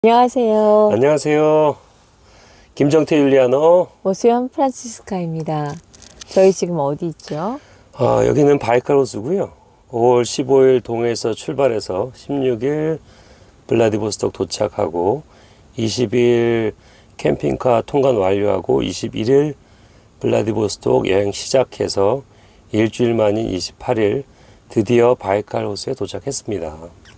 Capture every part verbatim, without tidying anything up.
안녕하세요. 안녕하세요. 김정태 율리아노. 오수연 프란치스카입니다. 저희 지금 어디 있죠? 아, 여기는 바이칼호수고요. 오월 십오일 동해에서 출발해서 십육일 블라디보스톡 도착하고 이십일 캠핑카 통관 완료하고 이십일일 블라디보스톡 여행 시작해서 일주일 만인 이십팔일 드디어 바이칼호수에 도착했습니다.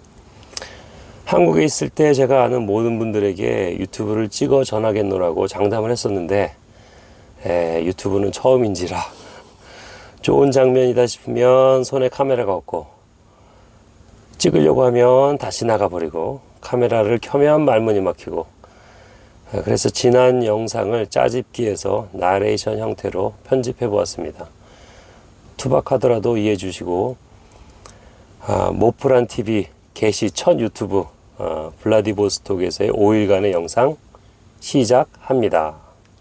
한국에 있을 때 제가 아는 모든 분들에게 유튜브를 찍어 전하겠노라고 장담을 했었는데 에, 유튜브는 처음인지라 좋은 장면이다 싶으면 손에 카메라가 없고 찍으려고 하면 다시 나가버리고 카메라를 켜면 말문이 막히고 에, 그래서 지난 영상을 짜집기해서 나레이션 형태로 편집해 보았습니다. 투박하더라도 이해해 주시고 아, 모프란티비 개시 첫 유튜브 어, 블라디보스톡에서의 오일간의 영상 시작합니다.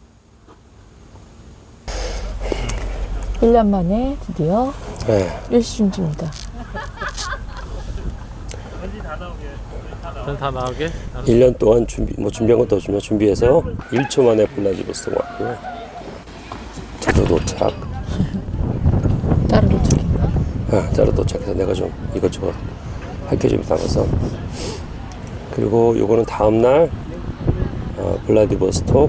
일 년 만에 드디어 네. 일시중지입니다. 다 나오게? 일 년 동안 준비, 뭐 준비한 것도 없지만 준비해서 일 초 만에 블라디보스톡 왔고요. 저도 도착. 따로 도착했나? 아, 따로 도착해서 내가 좀 이것저것 할 게 좀 남아서. 그리고 요거는 다음날 어, 블라디보스톡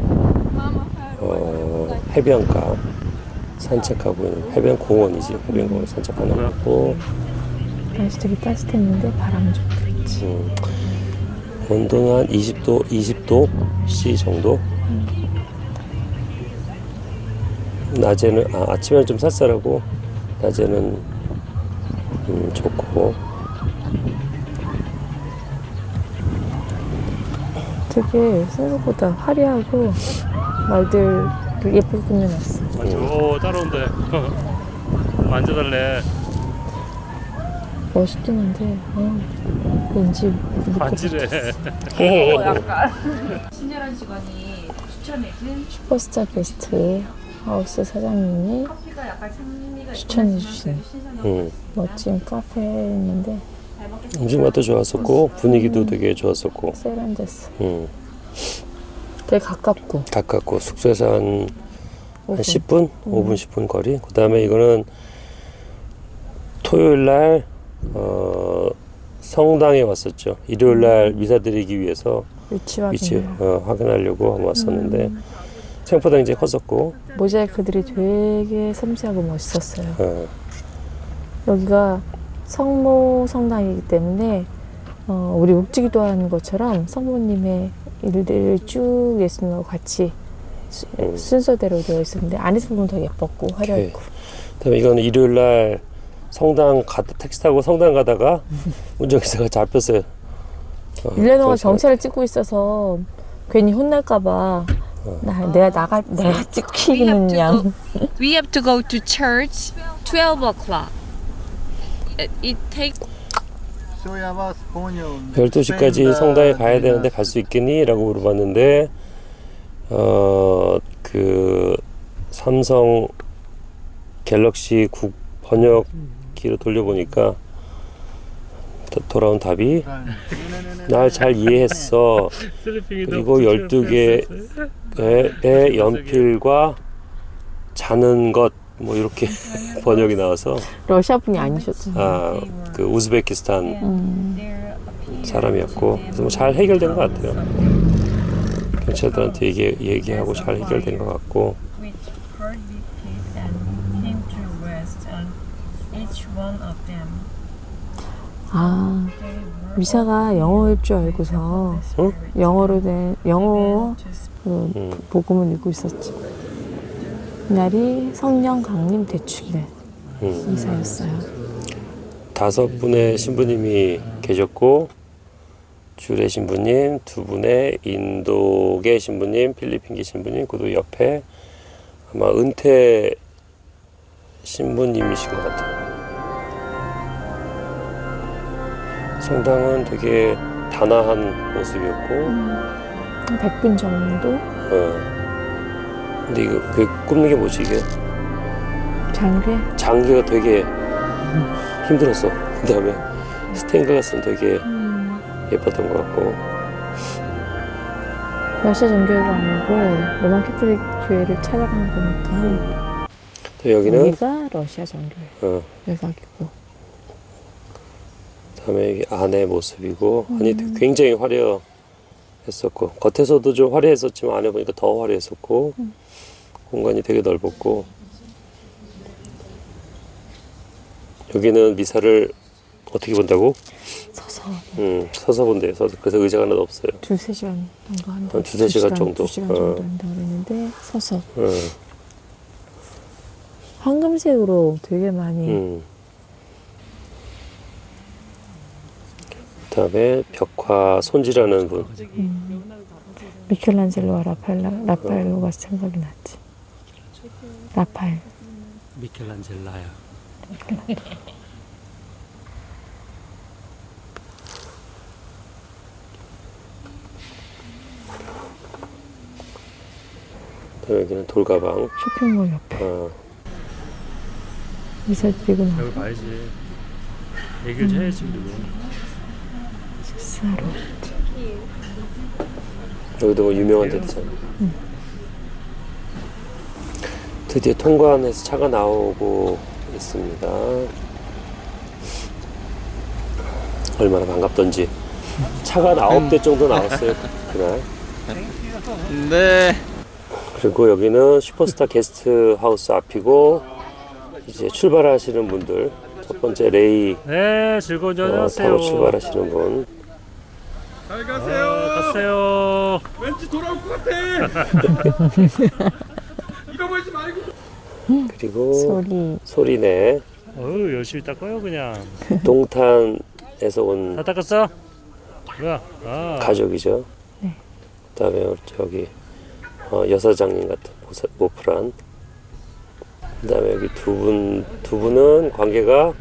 어, 해변가 산책하고 있는 해변 공원이지. 해변 공원 산책하는 거고. 날씨 되게 따뜻했는데 바람 좀 불지. 음, 온도는 한 이십 도, 이십 도 C 정도. 음. 낮에는 아, 아침에는 좀 쌀쌀하고 낮에는 음, 좋고. 되게 생각보다 화려하고 말들 예쁘게 꾸며놨어. 맞죠? 오, 따라온대. 만져달래. 멋있긴 한데 어, 왠지 만지래. 어, 약간 친절한 직원이 추천해준 슈퍼스타 게스트 하우스 사장님이 커피가 약간 산미가 추천해 주신 음, 멋진 카페였는데 음식 맛도 좋았었고 분위기도 되게 좋았었고. 세련됐어. 음, 되게 가깝고 가깝고 숙소에서 한, 오 분. 한 십 분, 오 분, 십 분 거리. 그 다음에 이거는 토요일 날 어, 성당에 왔었죠. 일요일 날 미사 드리기 위해서 위치 위치 확인. 어, 확인하려고 한번 왔었는데 생각보다 이제 컸었고. 모자이크들이 되게 섬세하고 멋있었어요. 어, 여기가 성모 성당이기 때문에 어, 우리 묵지기도 하는 것처럼 성모님의 일들을 쭉 예수님하고 같이 수, 음. 순서대로 되어 있었는데 안에서 보면 더 예뻤고 화려했고. 그다음에 이거는 일요일 날 성당 가 택시 타고 성당 가다가 운전기사가 잡혔어요. 어, 일 년 동안 경찰한테. 경찰을 찍고 있어서 괜히 혼날까봐 나, 내가 나가 내가 We have 찍히는 to 양. go, we have to go to church twelve o'clock. It, it takes 열두 시까지 성당에 가야 되는데 갈 수 있겠니? 라고 물어봤는데 어, 그 삼성 갤럭시 국 번역기로 돌려보니까 도, 돌아온 답이 날 잘 이해했어. 그리고 열두 개의 연필과 자는 것 뭐 이렇게 번역이 나와서 러시아 분이 아니셨잖아요. 아, 그 우즈베키스탄 음. 사람이었고 그래서 뭐 잘 해결된 것 같아요. 경찰들한테 얘기, 얘기하고 잘 해결된 것 같고. which heart beat and came to rest on each one of them. 아 미사가 영어일 줄 알고서 응? 영어로 된 영어 그 음, 복음을 읽고 있었지. 이날이 성령 강림 대축일 음. 미사였어요. 다섯 분의 신부님이 계셨고 주례 신부님, 두 분의 인도계 신부님, 필리핀계 신부님, 그리고 옆에 아마 은퇴 신부님이신 것 같아요. 성당은 되게 단아한 모습이었고 한 백 분 정도 어. 근데 이거 그 굽는 게 뭐지 이게? 장례. 장기가 되게 힘들었어. 그 다음에 스테인가 같은 되게 음. 예뻤던 것 같고 러시아 정교회가 아니고 로만 캐톨릭 교회를 찾아간 거니까 또 여기는 여기가 러시아 정교회 어, 외곽이고. 다음에 여기 안의 모습이고 음. 안이 굉장히 화려했었고 겉에서도 좀 화려했었지만 안에 보니까 더 화려했었고 음. 공간이 되게 넓었고 여기는 미사를 어떻게 본다고? 서서 음, 서서 본대요. 서서. 그래서 의자가 하나도 없어요. 두세 시간 정도 한다. 한 두세 시간 정도. 두 시간 어. 정도 한다 그랬는데 서서 음, 황금색으로 되게 많이 음. 그다음에 벽화 손질하는 분. 미켈란젤로와 라파엘라, 라파엘로가 생각이 났지. 라파엘. 미켈란젤라야. 그다음에 여기는 돌가방. 쇼핑몰 옆에 어, 미사 드리고 나서 여기 봐야지. 얘기를 좀 해야지 그리고. 식사로. 여기도 뭐 유명한 데 있잖아. 드디어 통관해서 차가 나오고 있습니다. 얼마나 반갑던지. 차가 한 아홉 대 정도 나왔어요, 그날. 네. 그리고 여기는 슈퍼스타 게스트 하우스 앞이고, 이제 출발하시는 분들. 첫 번째 레이 네, 즐거운 저녁 어, 하세요. 타고 출발하시는 분. 잘 아, 가세요. 가세요. 왠지 돌아올 것 같아. 잃어버리지 말고. 그리고 소리. 소리네. 어유 열심히 닦아요 그냥. 동탄에서 온 다 닦았어? 뭐야? 아. 가족이죠. 네. 그다음에 저기 어, 여사장님 같은 모사, 모프란. 그다음에 여기 두 분 두 분은 관계가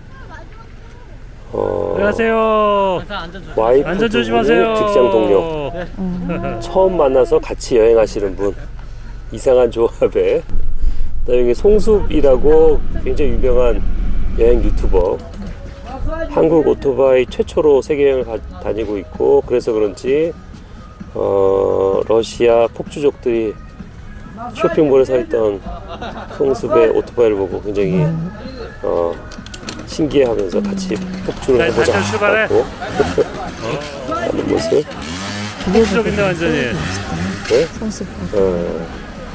어, 안녕하세요. 와이프 안전 두 분이 조심하세요. 직장 동료. 처음 만나서 같이 여행하시는 분. 이상한 조합에. 그다음에 여기 송숲이라고 굉장히 유명한 여행 유튜버. 한국 오토바이 최초로 세계 여행을 가, 다니고 있고 그래서 그런지 어, 러시아 폭주족들이 쇼핑몰에 서 있던 송숲의 오토바이를 보고 굉장히 어, 신기해하면서 같이 폭주를 자, 해보자 다시 출발해. 하고 하는 모습. 폭주적인데 완전히. 네? 성습. 어,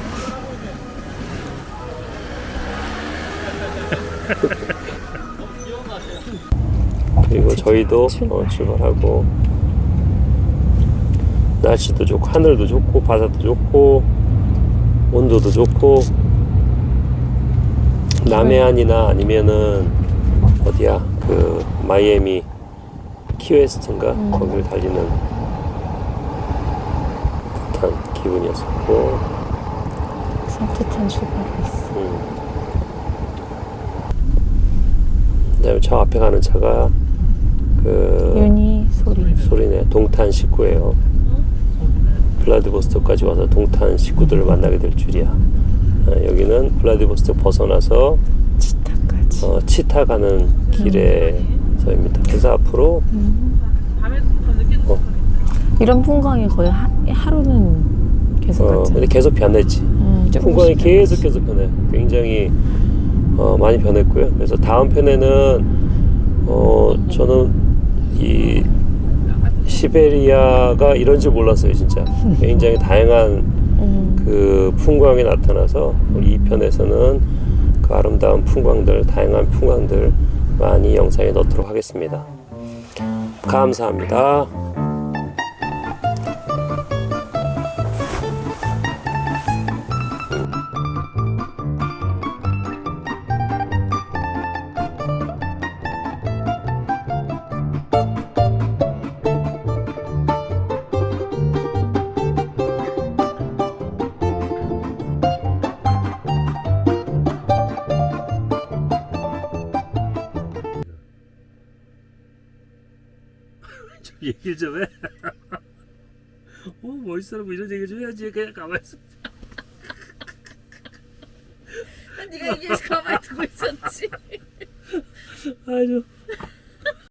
그리고 저희도 어, 출발하고 날씨도 좋고 하늘도 좋고 바다도 좋고 온도도 좋고 남해안이나 아니면은 어디야 그 마이애미 키웨스트인가 음. 거기를 달리는 듯한 기분이었었고 산뜻한 출발을 했어. 음. 그다음에 저 앞에 가는 차가 그 윤희 소리. 소리네 동탄 식구예요. 블라디보스토크까지 와서 동탄 식구들을 만나게 될 줄이야. 아, 여기는 블라디보스토크 벗어나서 치타까지. 어, 치타 가는 길에서입니다. 그래서 앞으로 어, 이런 풍광이 거의 하, 하루는 계속 어, 갔잖아. 근데 계속 변했지. 음, 조금씩 풍광이 계속 변했어. 계속 변해. 굉장히 어, 많이 변했고요. 그래서 다음 편에는 어, 저는 이 시베리아가 이런 줄 몰랐어요, 진짜. 굉장히 다양한 음, 그 풍광이 나타나서 우리 이 편에서는 그 아름다운 풍광들, 다양한 풍광들 많이 영상에 넣도록 하겠습니다. 감사합니다. 얘기 좀 해. 어, 멋있어라고 이런 얘기 좀 해야지. 그냥 가만히 있어. 네가 얘기해서 가만히 두고 있었지. 아주